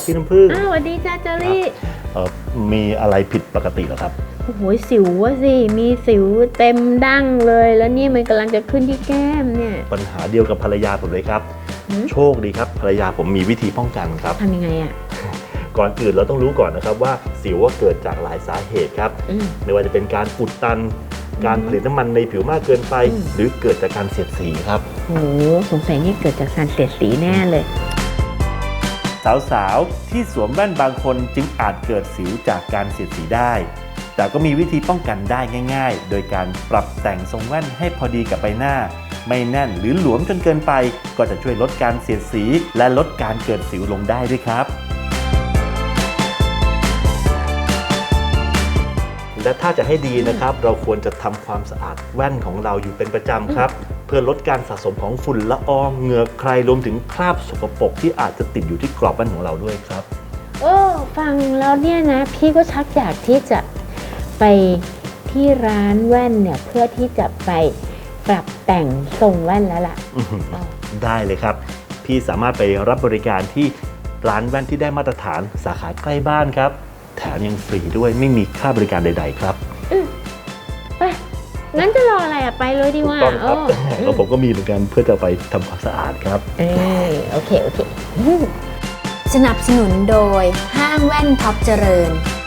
พี่น้ำผึ้งสวัสดีจ้าเจอรี่มีอะไรผิดปกติเหรอครับโอ้โหสิวอะสิมีสิวเต็มดั้งเลยแล้วนี่มันกำลังจะขึ้นที่แก้มเนี่ยปัญหาเดียวกับภรรยาผมเลยครับโชคดีครับภรรยาผมมีวิธีป้องกันครับทำยังไงอะก่อนอื่นเราต้องรู้ก่อนนะครับว่าสิวว่าเกิดจากหลายสาเหตุครับไม่ว่าจะเป็นการอุดตันการผลิตน้ำมันในผิวมากเกินไปหรือเกิดจากการเสียดสีครับโอ้สงสัยนี่เกิดจากการเสียดสีแน่เลยสาวๆที่สวมแว่นบางคนจึงอาจเกิดสิวจากการเสียดสีได้แต่ก็มีวิธีป้องกันได้ง่ายๆโดยการปรับแต่งทรงแว่นให้พอดีกับใบหน้าไม่แน่นหรือหลวมจนเกินไปก็จะช่วยลดการเสียดสีและลดการเกิดสิวลงได้ด้วยครับและถ้าจะให้ดีนะครับเราควรจะทำความสะอาดแว่นของเราอยู่เป็นประจำครับเพื่อลดการสะสมของฝุ่นละอองเหงื่อใครรวมถึงคราบสกปรกที่อาจจะติดอยู่ที่กรอบแว่นของเราด้วยครับฟังแล้วเนี่ยนะพี่ก็ชักอยากที่จะไปที่ร้านแว่นเนี่ยเพื่อที่จะไปปรับแต่งทรงแว่นแล้วล่ะได้เลยครับพี่สามารถไปรับบริการที่ร้านแว่นที่ได้มาตรฐานสาขาใกล้บ้านครับแถมยังฟรีด้วยไม่มีค่าบริการใดๆครับไปงั้นจะรออะไรไปเลยดีกว่าถูกต้องครับแล้วผมก็มีเหมือนกันเพื่อจะไปทำความสะอาดครับโอเคสนับสนุนโดยห้างแว่นท็อปเจริญ